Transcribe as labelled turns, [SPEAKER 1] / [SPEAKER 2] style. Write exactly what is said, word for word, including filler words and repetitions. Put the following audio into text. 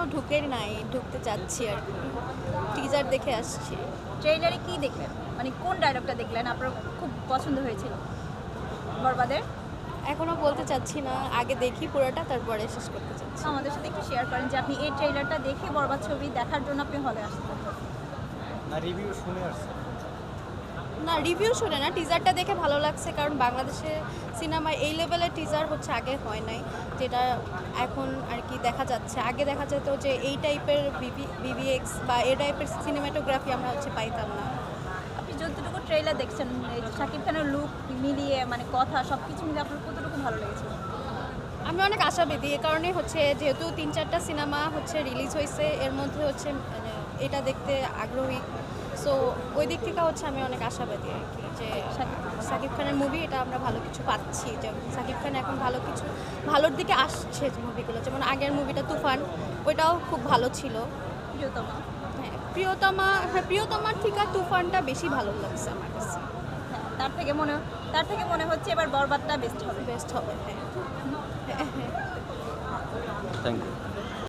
[SPEAKER 1] ঢুকে নাই, ঢুকতে যাচ্ছি আর কি। টিজার দেখে আসছি।
[SPEAKER 2] ট্রেইলারে কি দেখলেন, মানে কোন ডায়লগটা দেখলেন আপনার খুব পছন্দ হয়েছিল বরবাদের?
[SPEAKER 1] এখনো বলতে চাচ্ছি না, আগে দেখি পুরোটা তারপরে শেষ করতে চাচ্ছি।
[SPEAKER 2] আমাদের সাথে একটু শেয়ার করেন যে আপনি এই ট্রেইলারটা দেখে বরবাদ ছবি দেখার জন্য আপনি হলে আসছেন।
[SPEAKER 3] না রিভিউ শুনে আসছে।
[SPEAKER 1] না রিভিউ শুনে না, টিজারটা দেখে ভালো লাগছে, কারণ বাংলাদেশে সিনেমায় এই লেভেলের টিজার হচ্ছে আগে হয় নাই, যেটা এখন আর কি দেখা যাচ্ছে। আগে দেখা যেত যে এই টাইপের বিবি বিবিএক্স বা এই টাইপের সিনেমাটোগ্রাফি আমরা হচ্ছে পাইতাম না।
[SPEAKER 2] আপনি যতটুকু ট্রেইলার দেখছেন এই যে শাকিব খানের লুক মিলিয়ে মানে কথা সব কিছু মিলিয়ে আপনার কতটুকু ভালো লেগেছে?
[SPEAKER 1] আমি অনেক আশাবাদী, এ কারণে হচ্ছে যেহেতু তিন চারটা সিনেমা হচ্ছে রিলিজ হয়েছে, এর মধ্যে হচ্ছে মানে এটা দেখতে আগ্রহী। সো ওই দিক থেকে হচ্ছে আমি অনেক আশাবাদী আর কি, যে শাকিব খানের মুভি এটা আমরা ভালো কিছু পাচ্ছি, যে শাকিব খান এখন ভালো কিছু ভালোর দিকে আসছে মুভিগুলো। যেমন আগের মুভিটা তুফান, ওইটাও খুব ভালো ছিল।
[SPEAKER 2] প্রিয়তমা,
[SPEAKER 1] হ্যাঁ প্রিয়তমা, হ্যাঁ প্রিয়তমার থেকে তুফানটা বেশি ভালো লাগছে আমার কাছে।
[SPEAKER 2] হ্যাঁ তার থেকে মনে তার থেকে মনে হচ্ছে এবার বরবাদটা বেস্ট হবে।
[SPEAKER 1] বেস্ট হবে, হ্যাঁ।
[SPEAKER 3] Thank you.